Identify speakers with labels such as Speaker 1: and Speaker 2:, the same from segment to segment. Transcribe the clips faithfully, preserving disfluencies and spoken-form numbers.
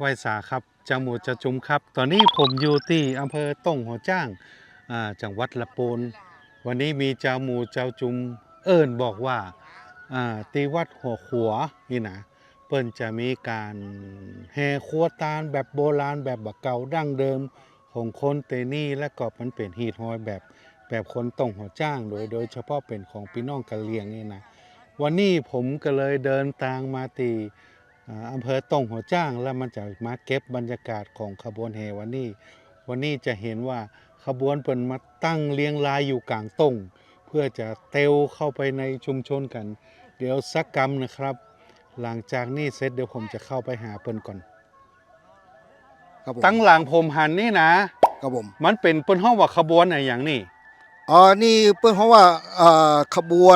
Speaker 1: ไหว้สาครับจังหวัดจะจุมครับตอนนี้ผมอยู่ที่อำเภอต้งหัวจ้างจังหวัดละปูนวันนี้มีเจ้าหมู่เจ้าจุมเอิญบอกว่าตีวัดหัวขัวนี่นะเปิ้นจะมีการแห่ครัวตาลแบบโบราณแบบบักเก่าดั้งเดิมของคนเตนี่และก็มันเป็นฮีทฮอยแบบแบบคนต้งหัวจ้างโดยโดยเฉพาะเป็นของพี่น้องกะเหรี่ยงนี่นะวันนี้ผมก็เลยเดินทางมาตีอำเภอต้งหัวจ้างแล้วมันจะมาเก็บบรรยากาศของขบวนแห่วันนี้วันนี้จะเห็นว่าขบวนเปิ่นมาตั้งเรียงรายอยู่กลางต้งเพื่อจะเตวเข้าไปในชุมชนกันเดี๋ยวสักกรรมนะครับหลังจากนี้เสร็จเดี๋ยวผมจะเข้าไปหาเปิ่นก่อนตั้งหลังผมหันนี่นะครับผมมันเป็นเปิ้นห้องว่าขบวนอะไรอย่างนี้
Speaker 2: อ๋อนี่เปิ้นเพราะว่าขบวน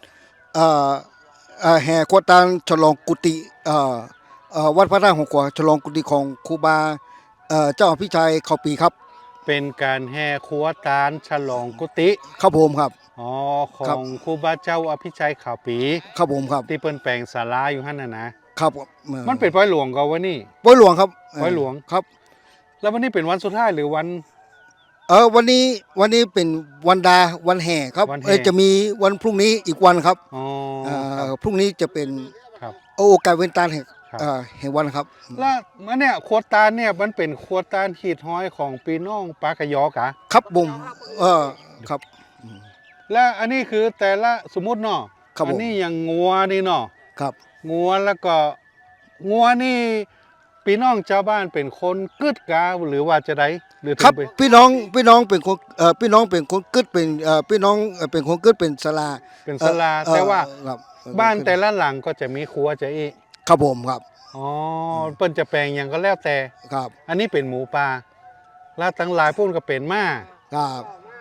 Speaker 2: แห่ขวดตาลฉลองกุฏิวัดพระธาตุหงขวาฉลองกุฏิของครูบาเจ้าอภิชัยเขาปีครับ
Speaker 1: เป็นการแห่ขวดตาลฉลองกุฏิ
Speaker 2: ครับผมครับ
Speaker 1: อ๋อของครูบาเจ้าอภิชัยเขาปี
Speaker 2: ครับผมครับ
Speaker 1: ที่เปิ้นแปลงศาลาอยู่หั่นน่ะ
Speaker 2: นะครับ
Speaker 1: มันเป็นป้อยหลวงก็ว่านี่
Speaker 2: ป้อยหลวงครับ
Speaker 1: ป้อยหลวง
Speaker 2: ครับ
Speaker 1: แล้ววันนี้เป็นวันสุดท้ายหรือวัน
Speaker 2: เออวันนี้วันนี้เป็นวันดาวันแห่ครับเออจะมีวันพรุ่งนี้อีกวันครับอ๋อพรุ่งนี้จะเป็นโอกาสเว้นตาลแห่งแห่งวันครับ
Speaker 1: แล้วมันเนี่ยขวดตาลเนี่ยมันเป็นขวดตาลขีดห้อยของปีน้องปากะยอกะ
Speaker 2: ครับบุ๋มเออครับ
Speaker 1: แล้วอันนี้คือแต่ละสมมุติเนาะอันนี้อย่างงัวนี่เนาะ
Speaker 2: ครับ
Speaker 1: งัวแล้วก็งัวนี่พี่น้องชาวบ้านเป็นคนกึดกาหรือว่าจะได้หรือ
Speaker 2: ครับพี่น้องพี่น้องเป็นคนเอ่อพี่น้องเป็นคนกึดเป็นเอ่อพี่น้องเป็นคนกึดเป็นศาลา
Speaker 1: เป็นศาลาแต่ว่าบ้านแต่ละหลังก็จะมีครัวจะอีก
Speaker 2: ครับผมครับ
Speaker 1: อ๋อเปิ้นจะแปลงอย่างก็แล้วแต่
Speaker 2: ครับ
Speaker 1: อันนี้เป็นหมูปลาแล้วทั้งหลายพุ่นก็เป็นม้า
Speaker 2: ครับ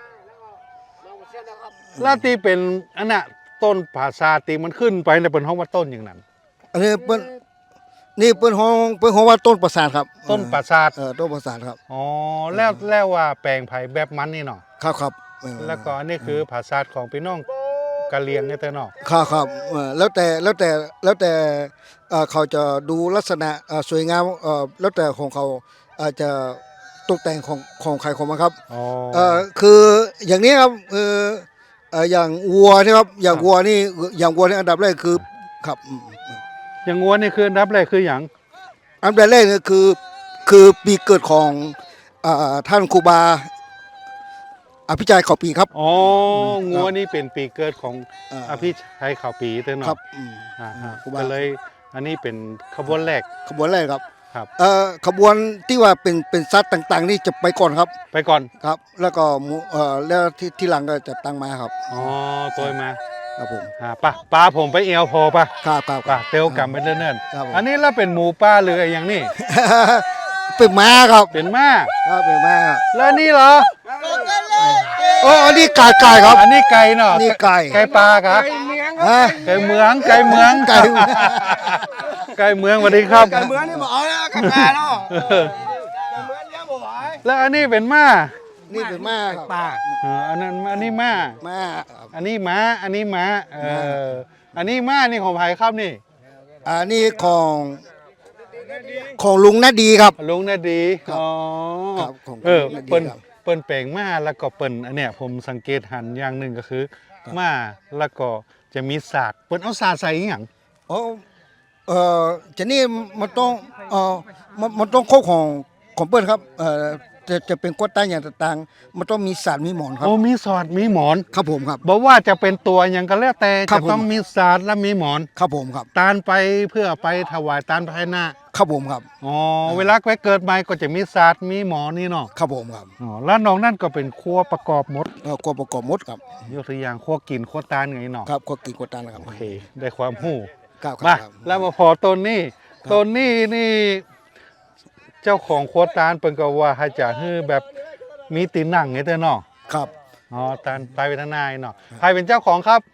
Speaker 1: แล้วที่เป็นอันน่ะต้นผาซาตีมันขึ้นไปในเป็นห้องว่าต้นอย่างนั้น
Speaker 2: อันนี้เปิ้นนี่เปิ้นห้องเปิ้นห้องว่าต้นประสาทครับ
Speaker 1: ต้นประสาท
Speaker 2: เออต้นประสาทครับ
Speaker 1: อ๋อแล้วแล้วว่าแปลงไผ่แบบมันนี่เนาะ
Speaker 2: ครับครับ
Speaker 1: แล้วก็อันนี้คือผาซาทของพี่น้องกะเหรี่ยงนี่แต่เนาะ
Speaker 2: ครับครับแล้วแต่แล้วแต่แล้วแต่เขาจะดูลักษณะสวยงามแล้วแต่ของเขาอาจจะตกแต่งของของใครของมันครับอ๋อคืออย่างนี้ครับคืออย่างวัวนี่ครับอย่างวัวนี่อย่างวัวนี่อันดับแรกคือครับ
Speaker 1: อย่างงัวนี่คืออันดับแรกคืออย่าง
Speaker 2: อันดับแรกนี่คือคือปีเกิดของท่านครูบาอภิชัยเขาปีครับ
Speaker 1: อ๋องัวนี่เป็นปีเกิดของอภิชัยเขาปีเต้นเนาะ
Speaker 2: ครับ
Speaker 1: อ่าก็เลยอันนี้เป็นขบวนแรก
Speaker 2: ขบวนแรกครับ
Speaker 1: ครับ
Speaker 2: เอ่อขบวนที่ว่าเป็นเป็นซัดต่างๆนี่จะไปก่อนครับ
Speaker 1: ไปก่อน
Speaker 2: ครับแล้วก็เอ่อแล้วที่ที่หลังก็จะตั้งมาครับ
Speaker 1: อ๋อตัวมา
Speaker 2: ครับผม
Speaker 1: อ่าป่ะปลาผมไปเอวพอป่ะ
Speaker 2: ครับครับ
Speaker 1: ป่ะเตียวกลับไปเนิ่นๆอันนี้แล้วเป็นหมูป่าหรืออะไรอย่างนี้
Speaker 2: เป็นม้าครับ
Speaker 1: เป็นม้า
Speaker 2: ครับเป็นม้า
Speaker 1: แล้วนี่เหรอ
Speaker 2: โอ้อันนี้ไก่ไก่ครับ
Speaker 1: อันนี้ไก่เนาะ
Speaker 2: นี่ไก่
Speaker 1: ไก่ปลาครับไก่เมืองไก่เมือง
Speaker 2: ไก่
Speaker 1: ไก่เมืองสวัสดีครับ
Speaker 3: ไก่เมืองนี่บอกเอาแล้วไก่ปลาเนาะไก่เมืองเลี้ยงบ่ไหว
Speaker 1: แล้วอันนี้เป็นม้า
Speaker 2: นี่เป็นม้า
Speaker 3: ปลา
Speaker 1: อันนั้นอันนี้ม้า
Speaker 2: ม้า
Speaker 1: อันนี้ม้าอันนี้ม้าเอออันนี้ม้านี่ของใครครับนี่
Speaker 2: อันนี้ของของลุงนาดีครับ
Speaker 1: ลุงนาดีอ๋อเออเปิ้นเปิ้นแปลงม้าแล้วก็เปิ้นอันเนี้ยผมสังเกตหันอย่างหนึ่งก็คือม้าแล้วก็จะมีศาสตร์เปิ้นเอาศาสตร์ใส่อย่าง
Speaker 2: อ๋อเออจะนี่มันต้องเออมันมันต้องข้อของของเปิ้นครับเออจะจะเป็นกวดใต้อย่างต่างๆมันต้องมีศาสตร์มีหมอนครับ
Speaker 1: โอ้มีศาสตร์มีหมอน
Speaker 2: ครับผมครับ
Speaker 1: บอกว่าจะเป็นตัวอย่างก็แล้วแต่จะต้องมีศาสตร์และมีหมอน
Speaker 2: ครับผมครับ
Speaker 1: ตานไปเพื่อไปถวายตานภายหน้า
Speaker 2: ครับผมครับ
Speaker 1: อ๋อเวลาไปเกิดใหม่ก็จะมีศาสตร์มีหมอนนี่เนาะ
Speaker 2: ครับผมครับ
Speaker 1: อ๋อแล้วน้องนั่นก็เป็นครัวประกอบหมด
Speaker 2: เออครัวประกอบหมดครับ
Speaker 1: ยกตัวอย่างครัวกินครัวตานไงเนาะ
Speaker 2: ครับครัวกินครัวตานครับ
Speaker 1: โอเคได้ความรู้
Speaker 2: ครับ
Speaker 1: มาแล้วมาพอต้นนี้ต้นนี้นี่เจ้าของครัวตานเปิ้นก็ว่าให้จะฮื้อแบบมีตีนหนังไงเด้อเนาะ
Speaker 2: ครับ
Speaker 1: อ๋อตานไปเป็นทนายเนาะใครเป็นเจ้าของครับ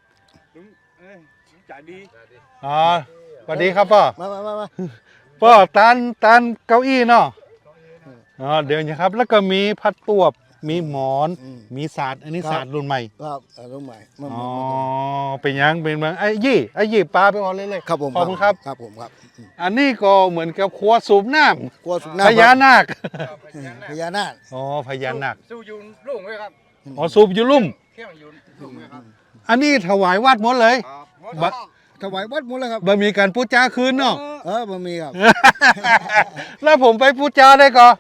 Speaker 3: จ่าดี
Speaker 1: อ๋อสวัสดีครับพ่อ
Speaker 2: มามามา
Speaker 1: พ่อตานตานเก้าอี้เนาะอ๋อเดี๋ยวนะครับแล้วก็มีพัดตวบมีหมอน
Speaker 2: อืม
Speaker 1: มีศาสตร์อันนี้
Speaker 2: ครับ
Speaker 1: ศาสตร์รุ่นใหม่
Speaker 2: ครับเอ่อรุ่นใหม่มัน
Speaker 1: อ๋อ
Speaker 2: มัน
Speaker 1: เป็นยังเป็นบางไอ้ยี่ไอ้ยี่ปลาไปก่อนเลยเลย
Speaker 2: ครับผม
Speaker 1: ขอบคุณครับ
Speaker 2: ครับผมครับอืม
Speaker 1: อันนี้ก็เหมือนกับครัวสูบน้
Speaker 2: กลัวสุ
Speaker 1: ำ
Speaker 2: นั
Speaker 1: พ
Speaker 2: ข
Speaker 1: ญานาค
Speaker 2: พญานาค
Speaker 1: อ๋อพญานาค
Speaker 3: สู้ยูนลุ่งเลยครับ
Speaker 1: อ๋อสูบอยู่ลุ่ม
Speaker 3: เที่ยงยูนลุ่งเลยครับ
Speaker 1: อันนี้ถวายวัดหมดเลย
Speaker 3: ครับ
Speaker 1: บะ
Speaker 2: ถวายวัดหมดแล้วครับ
Speaker 1: บ่มีการพูดจาคืนเนาะ
Speaker 2: เออบ่มีครับ
Speaker 1: แล้วผมไปพูดจาได้ก่อ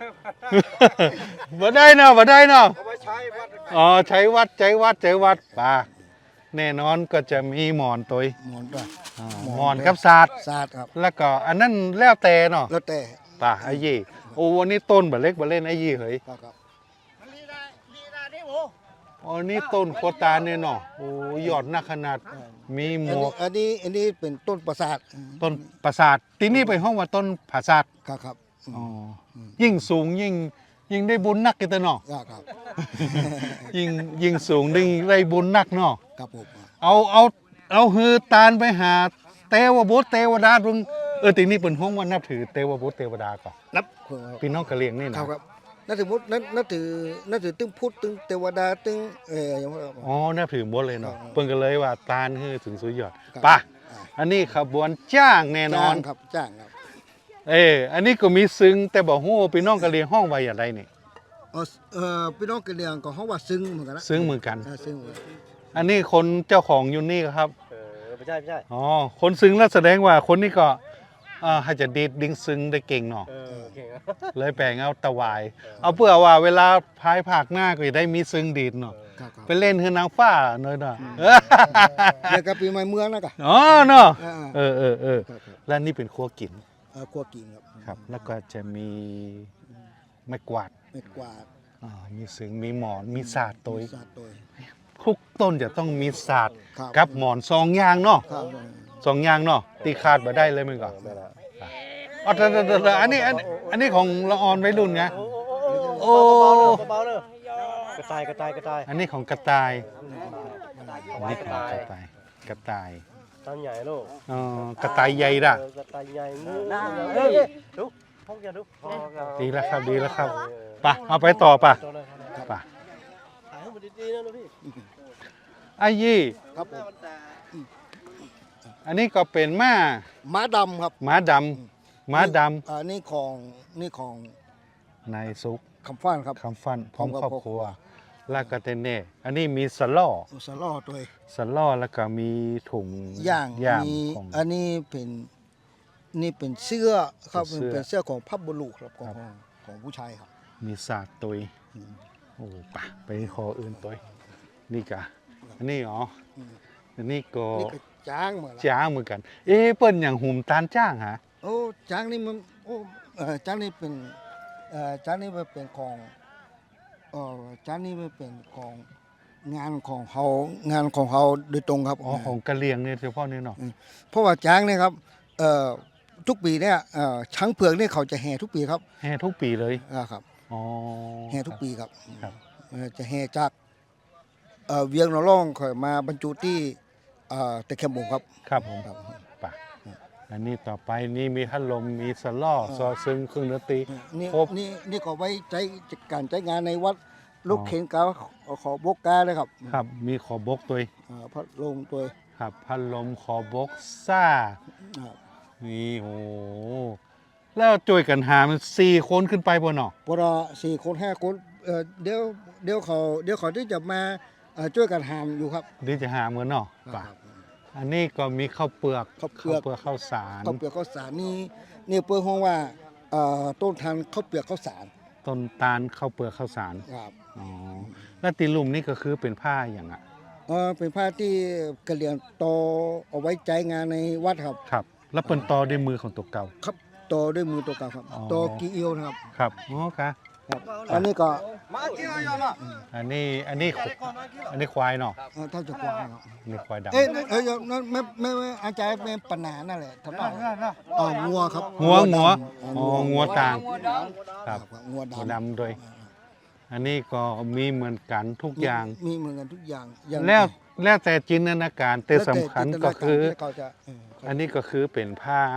Speaker 1: บ่ได้เนาะบ่ได้เนาะ
Speaker 3: เอาไว้ใช้วัด
Speaker 1: อ๋อใช้วัดใช้วัดใช้วัดป่าแน่นอนก็จะมีหมอนตัว
Speaker 2: หมอนด้วย
Speaker 1: อ่า
Speaker 2: หมอน
Speaker 1: หมอนกับศาสตร์
Speaker 2: ศาสตร์ครับ
Speaker 1: แล้วก็อันนั้นแล้วแต่เนาะ
Speaker 2: แล้วแต่
Speaker 1: ป่าไอ้ยี่โอ้วันนี้ต้นบ่เล็กบ่เล่นไอ้ยี่เฮ้ย
Speaker 2: ครับครับ
Speaker 3: มันลีได้ลีได้ดิโอ้
Speaker 1: อ๋อนี่ต้นโคตาเนี่ยเนาะโอ้ยอดนักขนาดมีหม
Speaker 2: อัน
Speaker 1: ว
Speaker 2: นี้
Speaker 1: ก
Speaker 2: อันนี้อันนี้เป็นต้นประสาท
Speaker 1: ต้นประสาทที่นี่ไปห้องว่าต้นผาสาท
Speaker 2: ครับครับ
Speaker 1: อ๋อยิ่งสูงยิ่งยิ่งได้บุญนักกันเตอเนาะ
Speaker 2: ครับครับ
Speaker 1: ยิ่งยิ่งสูงยิ่งได้บุญนักเนาะ
Speaker 2: ครับผม
Speaker 1: เอาเอาเอาฮือตาลไปหาเทวบุตรเทวดารุงเออทีนี้เป็นห้องว่านับถือเทวบุตรเทวดาก่อน
Speaker 2: นับคนครับ
Speaker 1: พี่น้องกะเหรี่ยงนี่
Speaker 2: ค
Speaker 1: นะ
Speaker 2: รับครับนั่นถือมุดนั่นนั่นถือนั่นถือตึ้งพุทธตึ้งเทวดาตึ้งเอออย่างว่า
Speaker 1: อ๋อนับถือหมดเลยเนาะ
Speaker 2: ครับ
Speaker 1: เพิ่นก็เลยว่าตาลคือถึงสุดยอด
Speaker 2: ครับ
Speaker 1: ป่ะ
Speaker 2: อ่า
Speaker 1: อันนี้ขบวนจ้างแน่นอ
Speaker 2: จ้าน งครับจ้างครับ
Speaker 1: เอออันนี้ก็มีซึ้งแต่บอกฮู้พี่น้องกะเหรี่ยงห้องไว้อย่างไรนี่
Speaker 2: เออเออพี่น้องกะเหรี่ยงก็เขาว่าซึ้งเหมือนกันนะ
Speaker 1: ซึ้งเหมือนกัน
Speaker 2: เออซึ้งเหมือนกัน
Speaker 1: อันนี้คนเจ้าของอยู่นี่ครับ
Speaker 3: เออไม่ใช่ไม่ใช่
Speaker 1: อ๋อ คนซึ้งแล้วแสดงว่าคนนี้ก็อ่าให้จะดีดดิ้งซึ้งได้เก่งเนาะ
Speaker 3: เออเก่งครับ
Speaker 1: เลยแปลงเอาตะวาย เอาเพื่อว่าเวลาพายผากหน้าก็จะได้มีซึ้งดีดเนาะ
Speaker 2: ครับครับ
Speaker 1: ไปเล่นคือนางฟ้าเนยเนาะ
Speaker 2: เดี๋ยวกับปีใหม่เมืองนะกะ
Speaker 1: อ๋อเนาะ
Speaker 2: อ่า
Speaker 1: เออเออเออ
Speaker 2: ครับครับ
Speaker 1: และนี่เป็นครัวกิน
Speaker 2: เออครัวกินครับ
Speaker 1: ครับ แล้วก็จะมีไม้กวาด
Speaker 2: เม็ดกวาด
Speaker 1: อ่ามีซึ้งมีหมอนมีศาสตร์ตัว
Speaker 2: มีศาสตร์ตัว
Speaker 1: ทุกต้นจะต้องมีศาสตร์
Speaker 2: ครับ
Speaker 1: กับหมอนสองอย่างเนาะ
Speaker 2: ครับ
Speaker 1: สองอย่างเนาะตีขาดมาได้เลยมึงก่อนอ๋อแต่แต่แต่แต่อันนี้อันอันนี้ของละออนไว้รุ่นไง โอ้
Speaker 3: เบาๆเลยกระต่ายกระต่ายกระต่าย
Speaker 1: อันนี้ของกระต่ายอันนี้ของกระต่ายกระต่าย
Speaker 3: ตั้งใหญ่ลูก
Speaker 1: อ๋อกระต่ายใหญ่ด่ะ
Speaker 3: เออกระต่ายใหญ่งูเฮ้ยดูพกอย่าดูพกอย่า
Speaker 1: ดีแล้วครับดีแล้วครับไปะเอาไปต่อป่ะ
Speaker 3: ตัวเลยครับ
Speaker 1: ป่ะ
Speaker 3: ถ่ายให้มันดีๆนะลูกพี่
Speaker 1: ไอ้ยี่
Speaker 2: ครับผม
Speaker 1: อันนี้ก็เป็นม้า
Speaker 2: ม้าดำครับ
Speaker 1: ม้าดำม้าด
Speaker 2: อ่านี่ของนี่ของ
Speaker 1: ำนายซุก
Speaker 2: คำฟ้านครับ
Speaker 1: คำฟันพร้อม
Speaker 2: พร้อม
Speaker 1: คร
Speaker 2: กั
Speaker 1: อ
Speaker 2: บบ
Speaker 1: ครัวลากาเตเน่อันนี้มีสล่อ
Speaker 2: สล่อตัว
Speaker 1: สล่อแล้วก็มีถุง
Speaker 2: ย่าง
Speaker 1: ย่าง
Speaker 2: มี
Speaker 1: ของ
Speaker 2: อันนี้เป็นนี่เป็นเสื้อครับ
Speaker 1: เป็นเสื้อ
Speaker 2: เป็นเสื้อของพับบุรุษครับของของผู้ชายครับ
Speaker 1: มีศาสตร์ตุย
Speaker 2: อืม
Speaker 1: โอ้ปะไปคออื่นตุยนี่กะอันนี้อ๋ออ
Speaker 2: ม
Speaker 1: อันนี้ก็
Speaker 2: นี่ก็จ้างเหมือนละ
Speaker 1: จ้างเหมือนกัน เอ๊ะเปิ้นอย่างหุ่มตาลจ้างฮะ
Speaker 2: โอ้จ้างนี่มันโอ้เอ่อจ้างนี่เป็นเอ่อจ้างนี่มันเป็นของเอ่อจ้างนี่มันเป็นของงานของเขางานของเขาโดยตรงครับ
Speaker 1: อ๋อของกะเหรี่ยงเนี่ยเฉพาะนี่เนาะ
Speaker 2: เพราะว่าจ้างเนี่ยครับเอ่อทุกปีเนี่ยเอ่อช้างเผือกเนี่ยเขาจะแห่ทุกปีครับ
Speaker 1: แห่ทุกปีเลย
Speaker 2: อ่าครับ
Speaker 1: อ๋อ
Speaker 2: แห่ทุกปีครับ
Speaker 1: ครับ
Speaker 2: เอ่อจะแห่จากเอ่อเวียงหนองร่องค่อยมาบรรจุที่เอ่อตะเข็มบุงครับ
Speaker 1: ครับผม
Speaker 2: ครับ
Speaker 1: ปะอันนี้ต่อไปนี่มีพัดลมมีสล่อซอซึ่งเครื่องดนตรี
Speaker 2: นี่
Speaker 1: ครบ
Speaker 2: นี่นี่ก็ไว้ใช้การใช้งานในวัดลูกเข็นกาขอบกกาเลยครับ
Speaker 1: ครับมีขอบกตัว
Speaker 2: อ่าพัดลมตัว
Speaker 1: ครับพัดลมขอบกซ่า
Speaker 2: อ่า
Speaker 1: นี่โอ้แล้วช่วยกันหามันสี่คนขึ้นไปบนเนาะ
Speaker 2: พอเราสี่คนห้าคนเอ่อเดี๋ยวเดี๋ยวเขาเดี๋ยวเขาที่จะมาเอ่อช่วยกันหามอยู่ครับ
Speaker 1: ดีจะหาเหมือนเนาะป่ะอันนี้ก็มีข้าวเปลือก
Speaker 2: ข้าวเปลือก
Speaker 1: เปลือกข้าวสาร
Speaker 2: ข้าวเปลือกข้าวสารนี่นี่เปิ้ลห้องว่าเอ่อต้นทานข้าวเปลือกข้าวสาร
Speaker 1: ต้นตาลข้าวเปลือกข้าวสาร
Speaker 2: ครับ
Speaker 1: อ๋อแล้วตีลุ่มนี่ก็คือเป็นผ้าอย่างอ่ะ
Speaker 2: เออเป็นผ้าที่กระเหลี่ยงโตเอาไว้ใจงานในวัดครับ
Speaker 1: ครับ แล้วเป็นตอด้วยมือของตัวเก่า
Speaker 2: ครับโตด้วยมือตัวเก่าครับ
Speaker 1: อ๋อ
Speaker 2: โตกีเอียวนะครับ
Speaker 1: ครับอ๋อค่ะ
Speaker 2: ครับ อันนี้ก็
Speaker 3: มาเกี่ยวยอมอ่ะ
Speaker 1: อันนี้อันนี้อันนี้ควายเนาะ
Speaker 2: เอ่อเท่าจะกวางครับ
Speaker 1: อันนี้ควายดำ
Speaker 2: เอ้ยเอ้ยนั่นไม่ไม่ไม่อาจารย์เป็นปัญหานั่นแหละทำไมอ๋องัวครับ
Speaker 1: งัวงัว
Speaker 2: ดำ
Speaker 1: อ๋องัวต่าง
Speaker 2: ค
Speaker 1: ค
Speaker 2: รั
Speaker 1: รั
Speaker 2: บบ ครับงัว
Speaker 1: งัว
Speaker 2: ดำ
Speaker 1: ดำด้วย อันนี้ก็มีเหมือนกันทุกอย่าง
Speaker 2: มีเหมือนกันทุกอย่างอย่าง
Speaker 1: แล้วแล้วแต่จินตนาการแต่
Speaker 2: แล้ว
Speaker 1: สำคัญก็คือ
Speaker 2: จินตนาารที่เขาจะเออ
Speaker 1: อันนี้ก็คือเป็นผ้า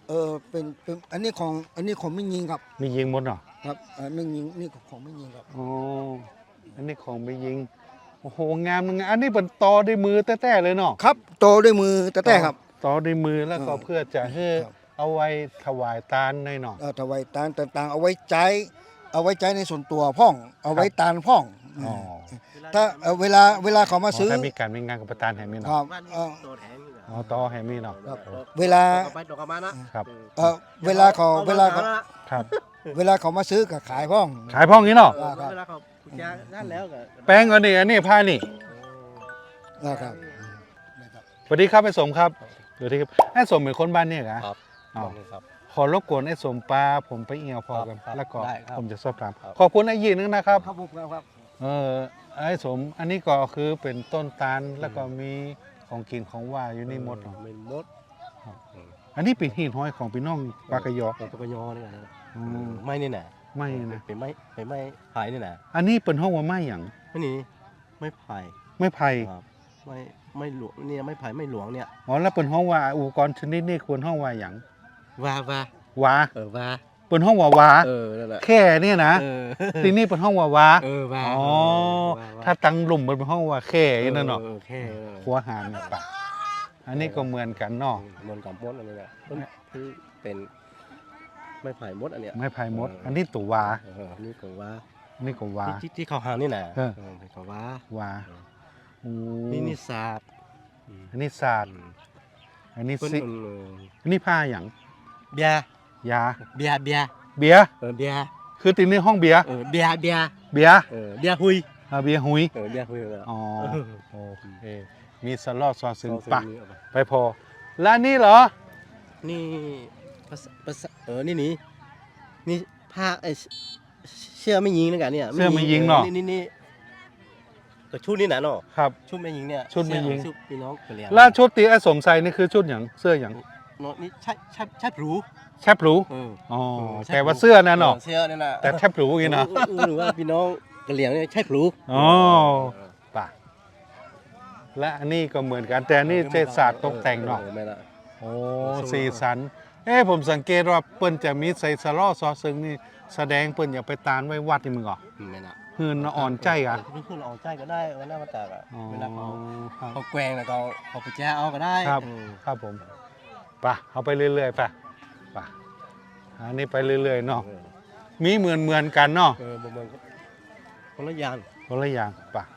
Speaker 2: เออเป็นเป็นอันนี้ของอันนี้ของไม่ยิงครับ
Speaker 1: มียิงหมดเนาะ
Speaker 2: ครับอ่าไม่ยิงนี่ของไม่ยิงครับ
Speaker 1: อ๋ออันนี้ของไม่ยิงโอ้โหงามงามอันนี้เป็นตอด้วยมือแต้ๆเลยเนาะ
Speaker 2: ครับโตด้วยมือแต่แต่ครับ
Speaker 1: ตอด้วยมือแล้วก็
Speaker 2: อ่า
Speaker 1: เพื่อจะให้
Speaker 2: ครับ
Speaker 1: เอาไว้ถวายตาลในเนาะ
Speaker 2: เอ่อถวายตาลต่างๆเอาไว้ใจเอาไว้ใจในส่วนตัวพ่อง เอาไว้ตาลพ่อง
Speaker 1: อ๋อ
Speaker 2: ถ้าเอ่อเวลาเวลาเขามาซื้อ
Speaker 1: ถ้ามีการมีงานกับประธานแห่มี
Speaker 2: ค
Speaker 1: เนาะ
Speaker 2: รับเอ่อ
Speaker 1: อ๋อตอแห่มีเนาะ
Speaker 2: ครับเวลา
Speaker 3: ไปตกมานะครับ
Speaker 2: เอ่อเวลาเขาเวลาเขา
Speaker 1: ครับ
Speaker 2: เวลาเขามาซื้อก็ขายพ่อง
Speaker 1: ขายพ่องนี้เนาะ
Speaker 2: อ่าครับ
Speaker 3: เวลาเขาแจ้นั่นแล้วก็
Speaker 1: แป้งอันนี้อันนี้ผ้านี่
Speaker 2: นะครับ
Speaker 1: สวัสดีครับไอ้สมครับสวัสดีครับไอ้สมเป็นคนบ้านเนี่ยเหรอ
Speaker 3: ครับ
Speaker 1: อ๋อ
Speaker 3: ครับ
Speaker 1: ขอรบกวนไอ้สมปลาผมไปเอี่ยวพอกัน
Speaker 3: ครับ
Speaker 1: แล้วก็
Speaker 3: ได้ครับ
Speaker 1: ผมจะสอบถาม
Speaker 3: ครับ
Speaker 1: ขอบคุณไอ้ยีนึงนะครับ
Speaker 2: ครับผมครับ
Speaker 1: เออไอ้สมอันนี้ก็คือเป็นต้นตาลแล้วก็มีของกินของว่าอยู่ในหมดเนาะ
Speaker 3: เป็นมด
Speaker 1: อันนี้เป็นหินห้อยของพี่น้องปากกยอ
Speaker 3: เป็นปากกยอนี่นะ
Speaker 1: อืม
Speaker 3: ไม่นี่นะ
Speaker 1: ไม่นะ
Speaker 3: เป็นไม้เป็นไม้ไผ่นี่นะ
Speaker 1: อันนี้เป็นห้องว่าไม้หยัง
Speaker 3: ไม่นี่ไม่ไผ่
Speaker 1: ไม่ไผ่
Speaker 3: ครับไม่ไม่หลวงเนี่ยไม่ไผ่ไม่หลวงเนี่ย
Speaker 1: อ๋อแล้วเป็นห้องว่าอุปกรณ์ชนิดนี้ควรห้องว่าหยัง
Speaker 3: วาว่า
Speaker 1: วา
Speaker 3: เออวา
Speaker 1: เป็นห้องว่าวา
Speaker 3: เออนั่นแหละ
Speaker 1: แค่เนี่ยนะ
Speaker 3: เออ
Speaker 1: ทีนี้เป็นห้องว่าวา
Speaker 3: เออวา
Speaker 1: อ๋อ
Speaker 3: วว
Speaker 1: ถ้าตังหลุมมันเป็นห้องว่าแค่นั่นเนาะ
Speaker 3: ออแค่
Speaker 1: หัวหารเนี่ยปะอันนี้ก็เหมือนกันเนาะ
Speaker 3: เหมือนกับมดอันนี้แหละมันคือเป็นไม่ไผ่มดอันเนี้ย
Speaker 1: ไม้ไผ่มด อันนี้ตัววา
Speaker 3: เออนี่ก็ว่า
Speaker 1: อันนี้ก็วา
Speaker 3: ที่ที่ที่เขาหางนี่นะ
Speaker 1: เออ
Speaker 3: เออเป็นก็ว่า
Speaker 1: วาโอ้
Speaker 3: นี่นี่ศาสตร์
Speaker 1: อันนี้ศาสตร์อันนี้
Speaker 3: เพิ่น
Speaker 1: สิ
Speaker 3: เออ
Speaker 1: อันนี้ผ้าหยัง
Speaker 3: เบียร์
Speaker 1: ยา
Speaker 3: เบียร์เบียร์
Speaker 1: เบียร์
Speaker 3: เออเบียร์
Speaker 1: คือติดในห้องเบียร์
Speaker 3: เออเบียร์เบียร์
Speaker 1: เบียร์
Speaker 3: เออเบียร์หุย
Speaker 1: อ่าเบียร์หุย
Speaker 3: เออเบียร์หุยเลย
Speaker 1: อ๋อ
Speaker 3: เออ
Speaker 1: โอเคมีสลอดซอซึง
Speaker 3: เอา
Speaker 1: ปะ
Speaker 3: ซื้อนี่เอาไป
Speaker 1: ไปพอแล้วอันนี่เหรอ
Speaker 3: นี่ภาษาภาษาเออนี่นี่นี่ผ้าไอเสื้อไม่ยิงนะกันเนี่ย
Speaker 1: เสื้อไม่ยิงเนาะ
Speaker 3: นี่นี่นี่ก็ชุดนี่นะเนาะ
Speaker 1: ครับ
Speaker 3: ชุดไม่ยิงเนี่ย
Speaker 1: ชุดไม่ยิง
Speaker 3: เสื้อชุดพี่น้องกะเหรี่ยง
Speaker 1: แล้วชุดตีไอ้สมใส่นี่คือชุดหยังเสื้อหยัง
Speaker 3: เนาะนี่ใช่ใช่ใช่หรู
Speaker 1: แทบหรู
Speaker 3: เออ
Speaker 1: อ๋อ
Speaker 3: เออใช่
Speaker 1: แต่ว่าเสื้อนั่นเนาะ
Speaker 3: เสื้อนี่นะ
Speaker 1: แต่แทบหรูอย่างนี้เนาะ
Speaker 3: เออเออหรือว่าพี่น้องกะเหรี่ยงเนี่ยใช่หรู
Speaker 1: อ๋อปะและอันนี้ก็เหมือนกันแต่อันนี่เจศาสตร์ตกแต่งเนาะ
Speaker 3: ออไม่ละ
Speaker 1: โอ้สีสันเอ้ผมสังเกตว่าเปิ้นจะมีใส่สลอซอซึงนี่แสดงเปิ้นอยากไปตานไว้วัดนี่มึงเหรอ
Speaker 3: ไม่ละ
Speaker 1: หืนอ่อนใจอ่ะ
Speaker 3: พี่ขึ้นอ่อนใจก็ได้วันหน้ามาแตกอ่ะ
Speaker 1: อ๋อ
Speaker 3: เวลาเขา
Speaker 1: ครับ
Speaker 3: เขาแกว่งแล้วก็เขาไปแจ้เอาก็ได้
Speaker 1: ครับ
Speaker 3: เออ
Speaker 1: ครับผมไปะเอาไปเรื่อยๆไปไปะอันนี้ไปเรื่อยๆเนาะ
Speaker 3: เออ
Speaker 1: มีเหมือนเหมือนๆกันเนาะ
Speaker 3: เออบ่เหมือนคนละอย่าง
Speaker 1: คนละอย่างไปะ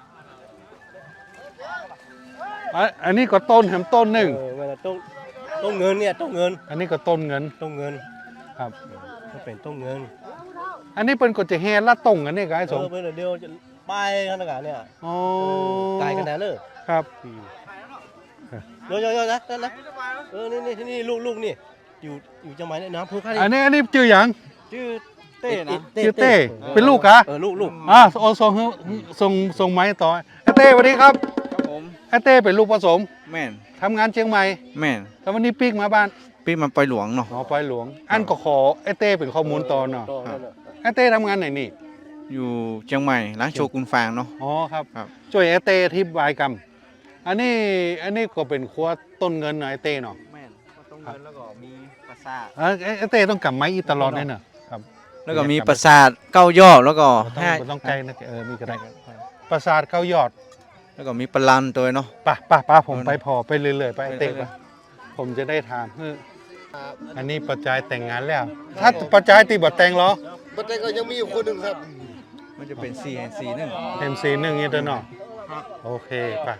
Speaker 1: อ่ะอันนี้ก็ต้นแหมต้นหนึ่ง
Speaker 3: เออเวลาต้องต้องเงินเนี่ยต้องเงิน
Speaker 1: อันนี้ก็ต้นเงิน
Speaker 3: ต้องเงิน
Speaker 1: ครับ
Speaker 3: ก็เป็นต้องเงิน
Speaker 1: อันนี้เป็นก็จะแฮละตรงกันนี่ก็ไอ้ส
Speaker 3: เอ
Speaker 1: ม
Speaker 3: อไปเดี๋ยวจะไปขนาดเนี่ย
Speaker 1: อ๋อ
Speaker 3: ไกลกันแน่เลย
Speaker 1: ครับ
Speaker 3: โยโยโยนะนั่นนะเออนี่นี่ที่นี่ลูกลูกนี่อยู่อยู่จังหวัดเนี่ยน้ำพุค่า
Speaker 1: อันนี้อันนี้ชื่อหยัง
Speaker 3: ชื่อเต้นะ
Speaker 1: ชื่อเต้เป็นลูกกะ
Speaker 3: เออลูกลูก
Speaker 1: อ่าโอส่งให้ส่งส่งไม้ต่อไอ้เต้สวัสดีครับ
Speaker 4: ครับผม
Speaker 1: ไอ้เต้เป็นลูกผสม
Speaker 4: แม่น
Speaker 1: ทำงานเชียงใหม่
Speaker 4: แม่น
Speaker 1: แล้ววันนี้ปีกมาบ้าน
Speaker 4: พี่มันไปหลวงเนาะ
Speaker 1: หอไปหลวง อันก็ขอไอ้เต้เป็นข้อมูลต่อเนาะ
Speaker 3: ต่อนั่นน่ะ
Speaker 1: ไอ้เต้ทำงานไหนนี่
Speaker 4: อยู่เชียงใหม่ร้านโชกุนฟางเนาะ
Speaker 1: อ๋อครับ
Speaker 4: ครับ
Speaker 1: ช่วยไอ้เต้อธิบายกรรมอันนี้อันนี้ก็เป็นครัวต้นเงินหน่อยไอ้เต้เนาะ
Speaker 4: แม่นก็ต้องเงินแล้วก็มีปราสาท
Speaker 1: เอ้ยไอ้ไอ้เต้ต้องกลับไม้อีตลอดเนี่ยเนาะครับ
Speaker 4: แล้วก็มีปราสาทเก้ายอดแล้วก็
Speaker 1: ต้อง
Speaker 4: ห้า
Speaker 1: ต้องใจนะเออมีก็ได้ปราสาทเก้ายอด
Speaker 4: แล้วก็มีปลาลันตัวเนาะ
Speaker 1: ป่ะป่ะป่ะผม
Speaker 4: เออ
Speaker 1: ไปพอไปเรื่อยๆไปไอ้เต้
Speaker 4: ไปเรื่
Speaker 1: ป่ะ
Speaker 4: อย
Speaker 1: ผมจะได้ถามเฮ้ออันนี้ประจายแต่งงานแล้ว ถ้าประจายตีบทแต่งเหรอ
Speaker 2: ประเทศก็ยังมีอยู่คนหนึ่งครับ
Speaker 4: มันจะเป็น สี่ สี่หนึ่ง
Speaker 1: เอ็มซีหนึ่งนี่เด้อเนาะโอเคป่ะ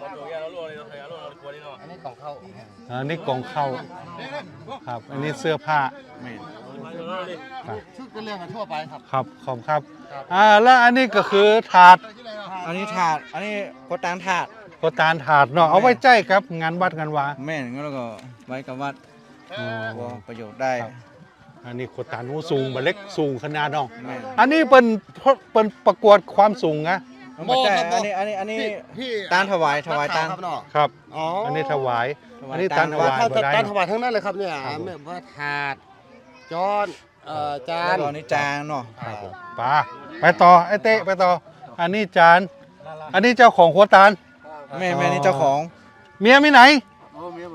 Speaker 3: อันนี้ของเขา
Speaker 1: อันนี้กล่องเข้าครับ อันนี้เสื้อผ้า
Speaker 4: แม่น
Speaker 1: ครับ
Speaker 2: ชุดเป็นเรื่องทั่วไปครับ
Speaker 1: ครับขอบครับอ่าแล้วอันนี้ก็คือถาด
Speaker 4: อันนี้ถาดอันนี้ก็ตางถาด
Speaker 1: ก็ตานถาดเนาะเอาไว้ใจครับงานวัดงานวา
Speaker 4: แม่นงั้นแล้วก็ไว้กับวัด
Speaker 1: อ๋อ
Speaker 4: ก็ประโยชน์ได้
Speaker 1: ครับ อันนี้โคตานหูสูงบะเล็กสูงขนาดเนาะ
Speaker 4: แม่น
Speaker 1: อันนี้เป็นเป็นประกวดความสูงนะ
Speaker 4: เอามาจ่ายอันนี้อันนี้อันนี้
Speaker 2: พี่
Speaker 4: ตานถวายถวายตาน
Speaker 2: ครับเนาะ
Speaker 1: ครับ
Speaker 2: อ๋อ
Speaker 1: อันนี้ถวาย
Speaker 4: ถวาย
Speaker 1: อันนี้
Speaker 4: ตา
Speaker 1: ตาน นถวาย
Speaker 2: ถ้า
Speaker 1: บ่ได้
Speaker 2: การถวายทั้งนั้นเลยครับเนี่ย
Speaker 1: ครับผม
Speaker 2: แบบว่าถาดจอนเอ่อจา
Speaker 4: แล้ว
Speaker 2: น
Speaker 4: ก็อันนี้จานเนาะ
Speaker 1: ครับผมไป้าไปต่อไอ้เต้ไปต่อ อันนี้จาน อันนี้เจ้าของหัวตาล
Speaker 4: แม่แม่นี่เจ้าของ
Speaker 1: เมียไม่ไหน
Speaker 2: โอ้เมียผม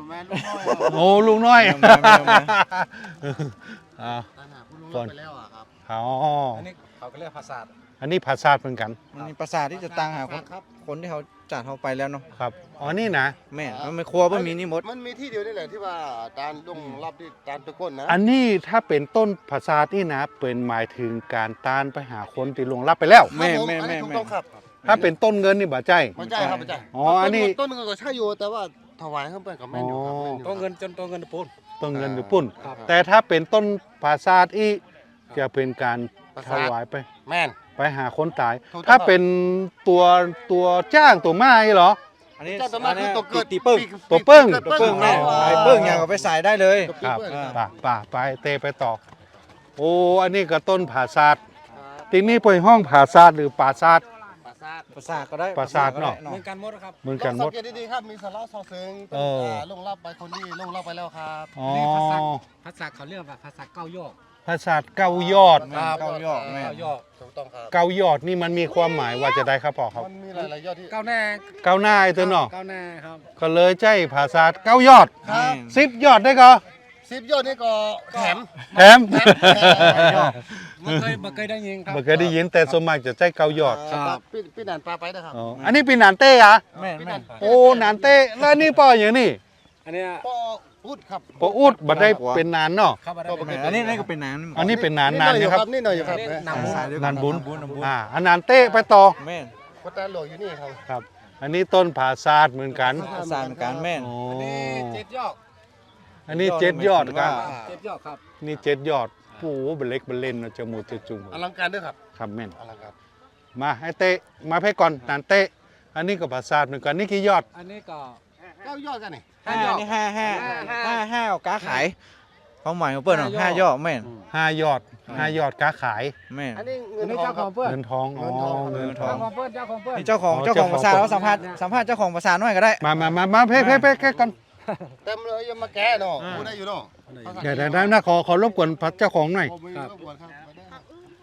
Speaker 5: แม่ลูกน้อย
Speaker 1: โอ้ลุงน้อย
Speaker 4: แมวแมวแมว
Speaker 1: อ่า
Speaker 5: ตามหาผู้ลุงรับไปแล้วอะครับ
Speaker 1: อ๋อ
Speaker 3: อันนี้เขาก็เรียกภาษา
Speaker 1: อันนี้ภาษาเหมือนกัน
Speaker 4: มันมีประสาทที่จะตั้งหาคน
Speaker 5: ครับ
Speaker 4: คนที่เขาจัดเขาไปแล้วเนาะ
Speaker 1: ครับอ๋อนี่นะ
Speaker 4: แม่นมันไม่ครัวบ่มีนี่หมด
Speaker 5: มันมีที่เดียวนี่แหละที่ว่าตาลลงรับที่ตาลตะก้นนะ
Speaker 1: อันนี้ถ้าเป็นต้นภาษาที่นะเป็นหมายถึงการต้านไปหาคนที่ลวงรับไปแล้ว
Speaker 4: แม่
Speaker 5: ครับผ
Speaker 4: แม่
Speaker 5: อัน
Speaker 4: แม่
Speaker 5: นี้ถูก
Speaker 4: แม่
Speaker 5: ต้องครับ
Speaker 1: ถ้าเป็นต้นเงินนี่บ่ใจ
Speaker 5: ไม่ใช่ครับไม่ใช่
Speaker 1: อ๋ออันนี้
Speaker 5: ต้นเงินก็ใช่อยู่แต่ว่าถวายเข้าไปกับแม่นอยู่ครับ
Speaker 1: อ๋อ
Speaker 5: แม่นอยู่
Speaker 3: ตัวเงินจนตัวเงินปูน
Speaker 1: ต้นเงินหรือปุ้น
Speaker 5: ครับ
Speaker 1: แต่ถ้าเป็นต้นภาษาอีจะเป็นการถวายไป
Speaker 5: แม่น
Speaker 1: ไปหาคนตาย
Speaker 5: ถูกต้อง
Speaker 1: ถ้าเป็นตัวตัวจ้างตัวไม้เหรอ
Speaker 4: อันนี้
Speaker 5: เจ้าตัวมาคือตัวเกิด
Speaker 4: ตีเปิ้ง
Speaker 1: ตัวเปิ้ง
Speaker 4: ตัวเปิ้งแม่ไอ้เปิ้งอย่างเอาไปใส่ได้เลย
Speaker 5: ตัว
Speaker 1: ครับ
Speaker 5: เปิ้ง
Speaker 1: ป่าป่าไปเตไปต่อ โอ้อันนี้ก็ต้นผาซาดทีนี้เป็นห้องผาซาดหรือป่าซาด
Speaker 5: ปราสาท
Speaker 4: ประสาทก็ได้
Speaker 1: ประสาทเนาะ
Speaker 3: เหมือนกันหมดครับ
Speaker 1: เหมือน
Speaker 5: ล
Speaker 1: กัน
Speaker 5: อง
Speaker 1: หม
Speaker 5: สั
Speaker 1: ด
Speaker 5: งเกตดีๆครับมีสาระซอเซิง
Speaker 1: เออ
Speaker 5: ลงรับไปคนนี้ลงรับไปแล้วครับ
Speaker 1: อ๋อ
Speaker 3: นี่ภาษา ภาษาเขาเรียกว่าภาษาเก้ายอด
Speaker 1: ผาซาดเก้ายอด
Speaker 4: แม่เก้ายอดแม่
Speaker 3: เก้ายอด
Speaker 5: ถูกต้องครับ
Speaker 1: เก้ายอดนี่มันมีความหมายว่าจะได้ครับพ่อครับ
Speaker 5: มันมีหลายๆยอดที่
Speaker 3: เก้าแน่
Speaker 1: เก้าหน้าไอ้ตัวเนาะ
Speaker 3: เก้าแน่ครับ
Speaker 1: ก็เลยใจผาซาดเก้ายอด
Speaker 5: ครับ
Speaker 1: สิบยอดได้ก็
Speaker 5: สิบยอดนี่ก็แถม
Speaker 1: แถม
Speaker 3: มันเคยมันเคยได้ยินครับ
Speaker 1: ไม่เคยได้ยินแต่ส่วนมากจะใจเก้ายอด
Speaker 5: ครับพี่พี่นันปลาไปนะครับ
Speaker 1: อ๋ออันนี้เป็นหนานเต้อะ
Speaker 4: แม่แม่
Speaker 1: โอ้หนานเต้แล้วนี่ป่ออย่างนี้
Speaker 3: อันเนี้ย
Speaker 5: ปออุดครับ
Speaker 1: ปออุดบัดได้เป็นนานเนาะ
Speaker 3: เข้ามาได้
Speaker 5: ก็
Speaker 4: แม่อันนี้นี่ก็เป็นน้ำ
Speaker 1: อันนี้เป็นนาน
Speaker 5: นี่
Speaker 1: นาน
Speaker 5: หอยอยู่
Speaker 1: นะครับ
Speaker 5: นี่หน่อยอยู่ครับ
Speaker 3: นำบุญ
Speaker 1: นานบุญ
Speaker 4: บุญบุญ
Speaker 1: อ่าอันนานเต้ไปต่อ
Speaker 4: แม่
Speaker 5: วัดตาหลวงอยู่นี่ครับ
Speaker 1: ครับ อันนี้ต้นผาซาดเหมือนกัน
Speaker 4: ประสาทเหมือนกันแม่
Speaker 1: โอ้
Speaker 3: อันนี้เจ็ดยอด
Speaker 1: อันนี้เจ็ดยอดครับ
Speaker 3: เจ็ดยอดครับ
Speaker 1: นี่เจ็ดยอดโอ้โหเป็นเล็กเป็นเล่นเนาะจมูกจะจุ่ม
Speaker 5: อลังการด้วยครับ
Speaker 1: ครับแม่น
Speaker 5: อลังการ
Speaker 1: มาให้เต้มาให้ก่อนนานเต้อันนี้ก็ผาซาดเหมือนกันนี่กี่ยอด
Speaker 3: อันนี้ก็
Speaker 5: เก้ายอดกันนี่
Speaker 4: ห้านี่ห้าห้าห้าห้าเอาก้าขายความหมายของเปิ้ลเนาะห้ายอดแม่น
Speaker 1: ห้ายอดห้ายอดค้าขาย
Speaker 4: แม่น
Speaker 5: อันนี้เงิ
Speaker 3: อัน
Speaker 5: น
Speaker 3: นี้
Speaker 5: ทอง
Speaker 3: เจ้า
Speaker 5: ค
Speaker 3: ข
Speaker 5: รั
Speaker 3: อบ งเพื่อน
Speaker 1: เงินทองอ๋อ
Speaker 5: เงิ
Speaker 1: เงิน
Speaker 5: น
Speaker 1: ท
Speaker 5: ท
Speaker 1: อ
Speaker 5: อง ง
Speaker 3: เจ้าของเพื่อนเจ้าของเพื่อน
Speaker 4: นี่เจ้าของ
Speaker 1: อ๋อ
Speaker 4: เจ้าของ
Speaker 1: เจ้าของ
Speaker 4: ภาษาเราสัมภาษณ์สัมภาษณ์เจ้าของภาษาหน่อยก็ได้
Speaker 1: มามามามาเพ่เพ่เพ่แค่กัน
Speaker 5: เต็มเลยยังมาแก้เนาะพูดได้อยู่เนาะ
Speaker 1: เดี๋ยวเดี๋ยวนะขอขอรบกวนเจ้าของหน่อย
Speaker 5: ผมมีรบกวนครับมาได้ครับ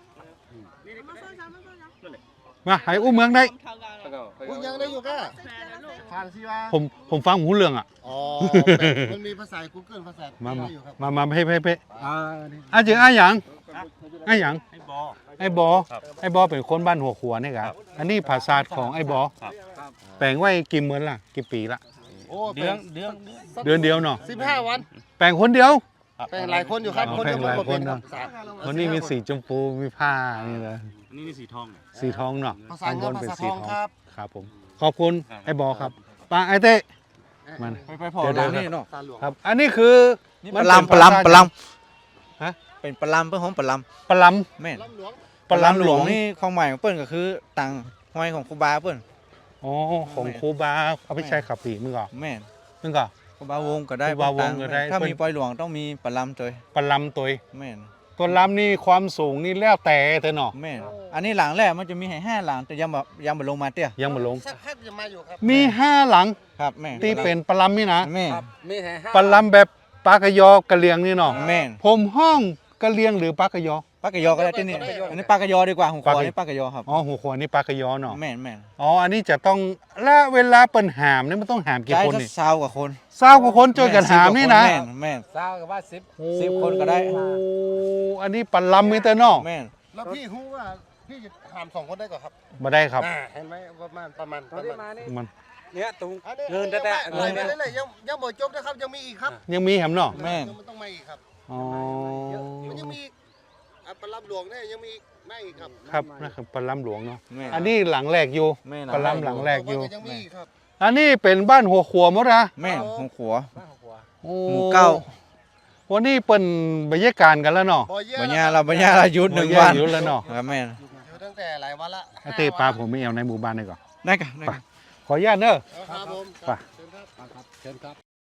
Speaker 1: มาให้อุ้มเมืองได้
Speaker 5: พูดยังได้อยู่แก่ผ่านสิวะ
Speaker 1: ผมผมฟังหูเรื่องอ่ะ
Speaker 5: อ๋อมันมีภาษา Google ภาษา
Speaker 1: มามา
Speaker 5: ได้อยู่ครับ
Speaker 1: มามาเพ่เพ่เพ่
Speaker 3: อ่านี่
Speaker 1: อาจืออาหยังอาหยังไอ้บอไอ้บอเป็นคนบ้านหัวขัวนี่ครับอันนี้ภาษาของไอ้บอแปลงไว้กี่เมือนล่ะกี่ปีละ
Speaker 5: โอ้
Speaker 3: เดือนเดือน
Speaker 1: เดือนเดียวเนาะ
Speaker 5: สิบห้าวัน
Speaker 1: แปลงคนเดียว
Speaker 5: แปลงหลายคนอยู่ครับ
Speaker 1: อ๋อ
Speaker 5: คนเดียว
Speaker 1: แปลงหลาย
Speaker 5: ก็เป็น
Speaker 1: คน
Speaker 5: ครั
Speaker 1: เนาะ
Speaker 5: บภาษา
Speaker 1: คนนี้มีสีชมพูมีผ้านี่เลย
Speaker 6: นี่นี่สีทอง
Speaker 1: สีทองเนาะ
Speaker 5: ภาษาเงินภาษาทองครับ
Speaker 1: ครับผมขอบคุณไอ้บอครับป้าไอ้เต้มัน
Speaker 4: ไปไปพอ
Speaker 1: เดี๋ยว
Speaker 4: หลัง
Speaker 1: เดี๋ยว
Speaker 4: นี่เนาะ
Speaker 5: ภาษาหลวง
Speaker 1: ครับ อันนี้คือ
Speaker 4: นี่
Speaker 1: มั
Speaker 4: ป
Speaker 1: น
Speaker 4: ลา
Speaker 1: เป็น
Speaker 4: ปลา
Speaker 1: ภาษา
Speaker 4: ปลา
Speaker 1: ฮะ
Speaker 4: เป็นปลาเปิ้ลของปลา
Speaker 1: ปลัม
Speaker 4: แม่น
Speaker 5: ลำหลวง
Speaker 1: ปลัมหลวง
Speaker 4: นี่ความหมายของเปิ้ลก็คือตังห้อยของครูบาเปิ้ล
Speaker 1: อ๋อของครูบาเอาไปใช้ขับผีมึงก่อน
Speaker 4: แม่น
Speaker 1: มึงก่อน
Speaker 4: ครูบาวงก็ได้
Speaker 1: ครูบาวงก็ได้
Speaker 4: ถ้า
Speaker 1: เปิ้ล
Speaker 4: มีปล่อยหลวงต้องมีปลาตัว
Speaker 1: ปลัมตัว
Speaker 4: แม่น
Speaker 1: ตัวลำนี่ความสูงนี่แล้วแต่แต่เนาะ
Speaker 4: แม่นอันนี้หลังแรกมันจะมีให้ห้าหลังแต่ยังแบบยังไม่ลงมาเตี้ย
Speaker 1: ยังมาลง
Speaker 5: สักพักจะมาอยู่ครับ
Speaker 1: มีห้าหลัง
Speaker 4: ครับแม่
Speaker 1: ที่เป็นปลัมนี่นะ
Speaker 4: แม่
Speaker 3: ครับมีแห่ห้า
Speaker 1: ปลัมแบบปากกยอกระเลียงนี่เนาะ
Speaker 4: แม่น
Speaker 1: ผมห้องกระเลียงหรือปากกยอ
Speaker 4: ปากกะยอก็ได้ที่นี่อันนี้ปากกะยอดีกว่าของขว
Speaker 1: ปากกะ
Speaker 4: อันนี้ปากกะยอครับ
Speaker 1: อ๋อหัวขวานี่ปากกยอเนาะ
Speaker 4: แม่นแม่น
Speaker 1: อ๋ออันนี้จะต้องและเวลาเปิ่นหามนี่มันต้องหามกี่
Speaker 4: ใช้
Speaker 1: คน
Speaker 4: สัก
Speaker 1: นี่
Speaker 4: สาวกว่าคน
Speaker 1: เศร้ากว่าคนเจอกันหามนี่นะ
Speaker 4: แม่นแม่น
Speaker 3: สาวกับว่าสิบ
Speaker 4: สิบคนก็ได้
Speaker 1: โอ้อันนี้ปลัมมีแต่เนาะ
Speaker 4: แม่น
Speaker 5: แล้วพี่รู้ว่าพี่จะหามสองคนได้ก่อนครับ
Speaker 1: มาได้ครับ
Speaker 5: อ่าเห็นไหมประมาณประมาณ
Speaker 3: ตอนที่มานี่
Speaker 1: มัน
Speaker 3: เนี่ยตรง
Speaker 5: อันนี้
Speaker 3: เงินแต่แต่
Speaker 5: เงิ
Speaker 3: เงิ
Speaker 5: น
Speaker 3: น
Speaker 5: ไป
Speaker 3: เนี่ย
Speaker 5: เรื่อยๆยังยังหมดจบนะครับยังมีอีกครับ
Speaker 1: ยังมีแหมเนาะ
Speaker 4: แม่น
Speaker 5: ยังมันต้องมาอีกครับ
Speaker 1: อ๋อ
Speaker 5: มันยังมีอีกอ่ะปลาลับหลวงเนี่ยยังมีอีกไม่อีกครับ
Speaker 1: ครับนะครับปลัมหลวงเนาะ
Speaker 4: แม่น
Speaker 1: อันนี้หลังแรกอยู่
Speaker 4: แม่น
Speaker 1: ปลัมหลังแรกอยู่
Speaker 5: มันยังมีอีกครับ
Speaker 1: อันนี้เป็นบ้านหัวขวหมดนะ
Speaker 4: แม่นของขัว
Speaker 3: บ้านของผัว
Speaker 1: โอ้
Speaker 4: หมู่เก้า
Speaker 1: วันนี้เปิ่นบรรยากาศกันแล้วเนาะ
Speaker 5: บ่เยอะ
Speaker 4: บัญญาเราบัญญาเราหยุดหนึ่งวัน
Speaker 1: อยู่แล้วเนาะ
Speaker 4: ครับแม่น
Speaker 5: อยู่ตั้งแต่หลายวันละ
Speaker 1: ไอ้เต้ปลาผมไม่เอาในหมู่บ้านเลยก่อน
Speaker 4: ได้กันได้กัน
Speaker 1: ขออนุญาตเนอะ
Speaker 5: ครับผม
Speaker 1: ไป
Speaker 5: เชิญครับ
Speaker 3: ครับเชิญครับ